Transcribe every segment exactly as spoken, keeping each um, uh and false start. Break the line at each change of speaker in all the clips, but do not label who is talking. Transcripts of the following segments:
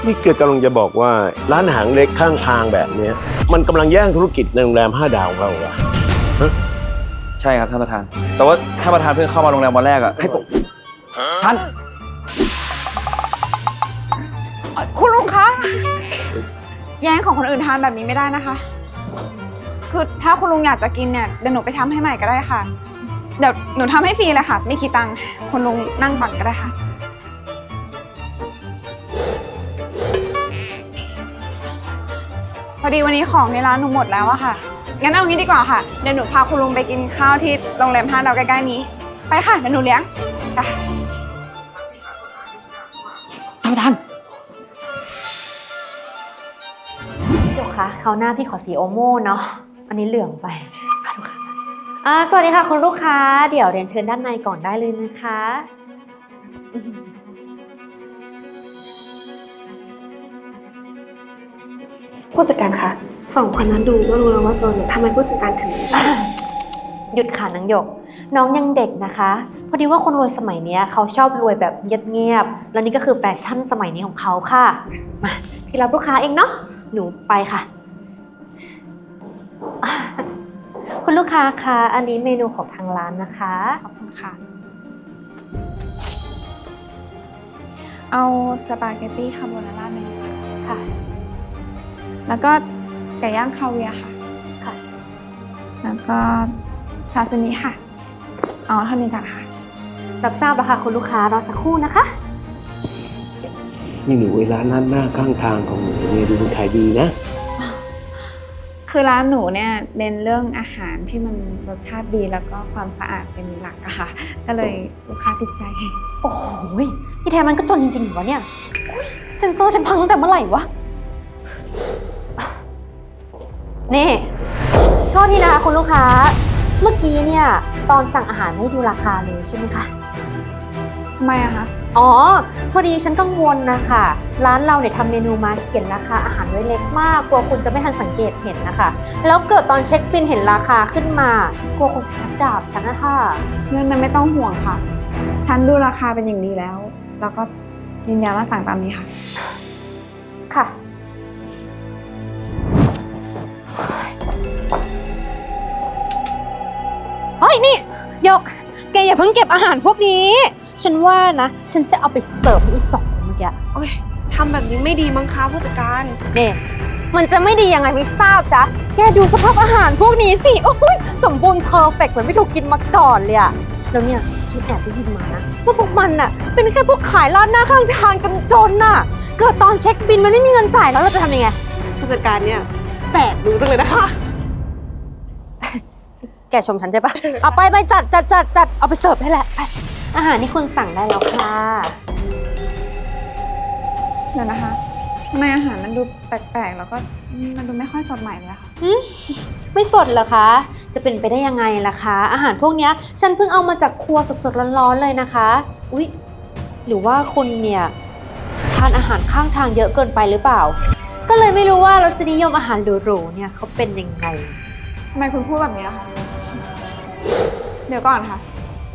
นี่เกิดกำลังจะบอกว่าร้านอาหารเล็กข้างทางแบบเนี้ยมันกำลังแย่งธุรกิจในโรงแรมห้าดาวของเราอะฮะ
ใช่ครับท่านประธานแต่ว่าท่านประธานเพิ่งเข้ามาโรงแรมวันแรกอะให้ผมท่าน
คุณลุงคะแย่งของคนอื่นทานแบบนี้ไม่ได้นะคะคือถ้าคุณลุงอยากจะกินเนี่ยเดี๋ยวหนูไปทำให้ใหม่ก็ได้ค่ะเดี๋ยวหนูทำให้ฟรีเลยค่ะไม่คิดตังค์คุณลุงนั่งก่อนก็ได้ค่ะพอดีวันนี้ของในร้านหนูหมดแล้วอะค่ะงั้นเอางี้ดีกว่าค่ะเดี๋ยวหนูพาคุณลุงไปกินข้าวที่โรงแรมห้าดาวใกล้ๆนี้ไปค่ะเดี๋ยวหนูเลี้ยงค่ะ
ท่านประธาน
เดี๋ยวคะคราวหน้าพี่ขอสีโอโม่เนาะอันนี้เหลืองไปค่ะลูกค้าอ่าสวัสดีค่ะคุณลูกค้าเดี๋ยวเรียนเชิญด้านในก่อนได้เลยนะคะ
ผู้จัดการคะสองคนนั้นดูก็รู้แล้วว่าจนทำไมผู้จัดการถึง
หยุดค่ะนางหยกน้องยังเด็กนะคะพอดีว่าคนรวยสมัยนี้เขาชอบรวยแบบเงียบๆแล้วนี่ก็คือแฟชั่นสมัยนี้ของเขาค่ะมาพี่รับลูกค้าเองเนาะหนูไปค่ะคุณลูกค้าคะอันนี้เมนูของทางร้านนะคะ
ขอบคุณค่ะเอาสปาเกตตี้คาโบนาร่าหนึ่ง
ค่ะ
แล้วก็ไก่ย่างคาเวียร์ค่ะ
ค่ะ
แล้วก็ซาซิมิค่ะเอาเท่านี้ก่อนค่ะ
รับทราบแล้วค่ะคุณลูกค้ารอสักครู่นะคะ
นี่หนูไอ้ร้านนั้นหน้าข้างทางของหนูเนี่ยดูมันขายดีนะ
คือร้านหนูเนี่ยเน้นเรื่องอาหารที่มันรสชาติดีแล้วก็ความสะอาดเป็นหลักอะค่ะก็เลยลูกค้าติดใจ
โอ้โหพี่แทนมันก็จนจริงๆเหรอวะเนี่ยเซ็นเซอร์ฉันพังตั้งแต่เมื่อไหร่วะนี่โทษทีนะคะคุณลูกค้าเมื่อกี้เนี่ยตอนสั่งอาหารให้ดูราคาเลยใช่ไหมคะ
ทำไมอะคะ
อ๋อพอดีฉันกังวลนะคะร้านเราเนี่ยทำเมนูมาเขียนราคาอาหารไว้เล็กมากกลัวคุณจะไม่ทันสังเกตเห็นนะคะแล้วเกิดตอนเช็คบิลเห็นราคาขึ้นมาฉันกลัวคนจะชักดาบฉันนะคะ
เรื่องนั้นไม่ต้องห่วงค่ะฉันดูราคาเป็นอย่างดีแล้วแล้วก็ยืนยันว่าสั่งตามนี้ค่ะ
ค่ะเฮ้ยนี่ยกแกอย่าเพิ่งเก็บอาหารพวกนี้ฉันว่านะฉันจะเอาไปเสิร์ฟให้อีสองคนเมื่อกี้
โอ้ยทำแบบนี้ไม่ดีมั้งคะผู้จัดการ
เนี่ยมันจะไม่ดียังไงไม่ทราบจ๊ะแกดูสภาพอาหารพวกนี้สิโอ้ยสมบูรณ์เพอร์เฟกต์เหมือนไม่ถูกกินมาก่อนเลยอะแล้วเนี่ยฉันแอบได้ยินมานะว่าพวกมันน่ะเป็นแค่พวกขายร้านหน้าข้างทางจนๆน่ะเกิดตอนเช็คบิลมันไม่มีเงินจ่ายแล้วเราจะทำยังไง
ผู้จัดการเนี่ยแสบรู้จังเลยนะคะ
แกชมฉันใช่ปะเอาไปไปจัดจัดจัดจัดเอาไปเสิร์ฟให้แหละอาหารที่คุณสั่งได้แล้วค่ะ
เดี๋ยวนะคะทำไมอาหารมันดูแปลกๆแล้วก็มันดูไม่ค่อยสดใหม่เลยค่ะ
ไม่สดเหรอคะจะเป็นไปได้ยังไงล่ะคะอาหารพวกนี้ฉันเพิ่งเอามาจากครัวสดๆร้อนๆเลยนะคะอุ๊ยหรือว่าคุณเนี่ยทานอาหารข้างทางเยอะเกินไปหรือเปล่าก็เลยไม่รู้ว่ารสนิยมอาหารหรูๆเนี่ยเขาเป็นยังไง
ทำไมคุณพูดแบบนี้คะเดี๋ยวก่อนค่ะ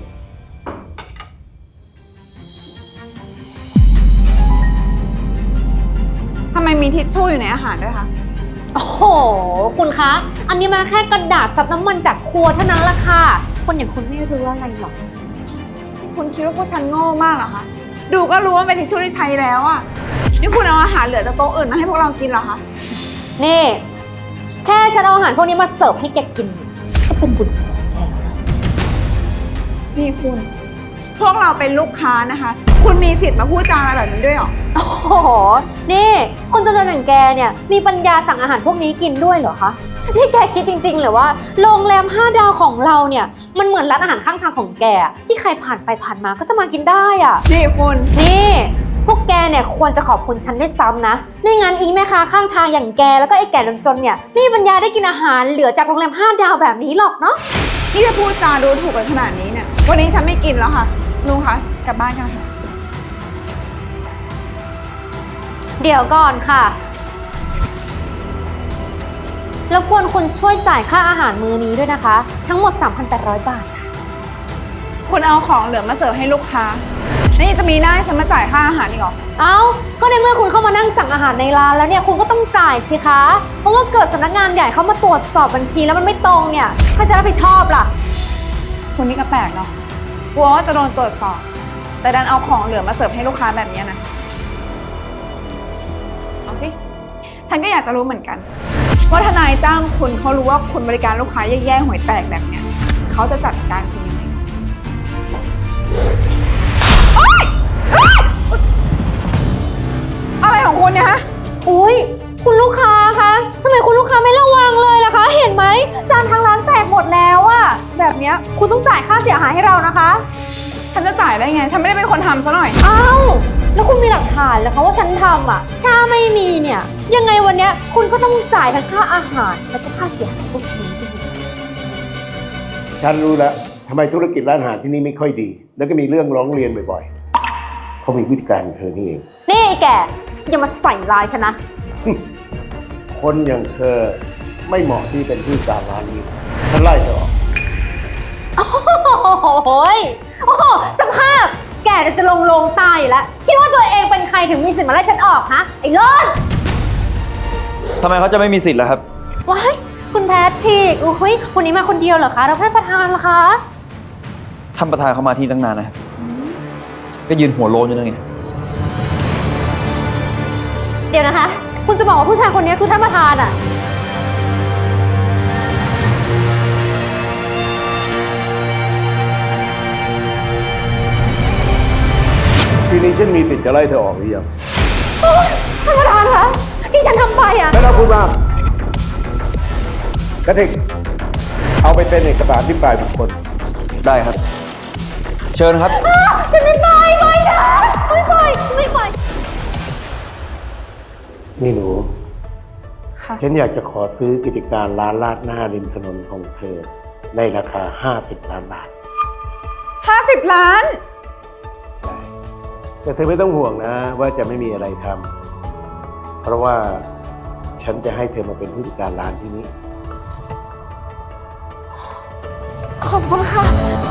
ทำไมมีทิชชู่อยู่ในอาหารด้วยคะ
โอ้โหคุณคะอันนี้มันแค่กระดาษซับน้ำมันจากครัวเท่านั้นละค่ะคนอย่างคุณไม่รู้อะไรหรอก
คุณคิดว่าพวกฉันโง่มากเหรอคะดูก็รู้ว่าเป็นทิชชู่ที่ใช้แล้วอะนี่คุณเอาอาหารเหลือจากโต๊ะอื่นมาให้พวกเรากินเหรอคะ
นี่แค่ฉันเอาอาหารพวกนี้มาเสิร์ฟให้แกกินก็เป็นบุญของแกแล้วนะ
นี่คุณพวกเราเป็นลูกค้านะคะคุณมีสิทธิ์มาพูดจาอะไรแบบนี้ด้วยหรอ
โอ้โหนี่คนจนๆอย่างแกเนี่ยมีปัญญาสั่งอาหารพวกนี้กินด้วยเหรอคะนี่แกคิดจริงๆหรือว่าโรงแรมห้าดาวของเราเนี่ยมันเหมือนร้านอาหารข้างทางของแกที่ใครผ่านไปผ่านมาก็จะมากินได้อ่ะ
นี่คุณ
นี่พวกแกเนี่ยควรจะขอบคุณฉันด้วยซ้ำนะไม่งั้นอีแม่ค้าข้างทางอย่างแกแล้วก็ไอ้แก่จนๆเนี่ยไม่มีปัญญาได้กินอาหารเหลือจากโรงแรมห้าดาวแบบนี้หรอกเนาะ
นี่จะพูดจาดูถูกกันขนาดนี้เนี่ยวันนี้ฉันไม่กินแล้วค่ะลุงคะกลับบ้านกันค่ะ
เดี๋ยวก่อนค่ะรบกวนคุณช่วยจ่ายค่าอาหารมื้อนี้ด้วยนะคะทั้งหมด สามพันแปดร้อย บาทค่ะ
คุณเอาของเหลือมาเสิร์ฟให้ลูกค้านี่จะมีหน้าให้ฉันมาจ่ายค่าอาหารอีกเหรอ
เอ้า ก็ในเมื่อคุณเข้ามานั่งสั่งอาหารในร้านแล้วเนี่ยคุณก็ต้องจ่ายสิคะ เพราะว่าเกิดสำนักงานใหญ่เข้ามาตรวจสอบบัญชีแล้วมันไม่ตรงเนี่ยใครจะรับผิดชอบล่ะ
คุณนี่ก็แปลกเนาะกลัวว่าจะโดนตรวจสอบ แต่ดันเอาของเหลือมาเสิร์ฟให้ลูกค้าแบบนี้นะ เอาสิ ฉันก็อยากจะรู้เหมือนกัน ว่าทนายจ้างคุณเขารู้ว่าคุณบริการลูกค้าแย่ๆห่วยแตกแบบเนี้ยเขาจะจัดการคุณยังไงโอ๊ยโอ๊ยอะไรของคุณเนี่ยฮะ
อุ๊ย คุณลูกค้าคะทำไมคุณลูกค้าไม่ระวังเลยล่ะคะ เห็นไหมจานทางร้านแตกหมดแล้วอะแบบเนี้ยคุณต้องจ่ายค่าเสียหายให้เรานะคะ
ฉันจะจ่ายได้ไง ฉันไม่ได้เป็นคนทำซะหน่อย
อ้าว แล้วคุณมีหลักฐานแล้วคะว่าฉันทำอะถ้าไม่มีเนี่ยยังไงวันเนี้ยคุณก็ต้องจ่ายทั้งค่าอาหารแล้วก็ค่าเสียหายพวกนี้ด้วย
ฉันรู้แล้วทำไมธุรกิจร้านอาหารที่นี่ไม่ค่อยดี แล้วก็มีเรื่องร้องเรียนบ่อยๆเขามีวิธีการของเธอนี่เอง
นี่ไอ้แกอย่ามาใส่ร้ายฉันนะ
คนอย่างเธอไม่เหมาะที่เป็นผู้จัดการร้านนี้ฉันไล่เธอออก
โอ้โหยโอ้โหสภาพแกจะลงลงตายอยู่แล้ว คิดว่าตัวเองเป็นใครถึงมีสิทธิ์มาไล่ฉันออกฮะ ไอ้เลิศ
ทำไมเขาจะไม่มีสิทธิ์ล่ะครับ
ว้ายคุณแพทริกอุ้ยวันนี้มาคนเดียวเหรอคะแล้วท่านประธานล่ะคะ
ท่านประธานเขามาที่ตั้งนานนะครับ ก็ยืนหัวโลนอยู่นั่นไง
เดี๋ยวนะคะ คุณจะบอกว่าผู้ชายคนนี้คือท่านประธานอะ
ทีนี้ฉันมีสิทธิ์จะไล่เธอออกหรือยัง
โอ๊ยท่านประธานคะที่ฉันทำไปอะ
ไม่ต้องพูดมากกระทิกเอาไปเป็นเอกสารที่ปลายบุคคล
ได้ครับ เชิญครับ
อ้าวฉันไม่ไปไม่นะไม่ไปไม่ไป
นี่หนู
ค่ะ
ฉันอยากจะขอซื้อกิจการร้านลาดหน้าริมถนนของเธอ ในราคาห้าสิบล้านบาท
ห้าสิบล้าน
แต่เธอไม่ต้องห่วงนะว่าจะไม่มีอะไรทำ เพราะว่าฉันจะให้เธอมาเป็นผู้จัดการร้านที่นี้
ขอบคุณค่ะ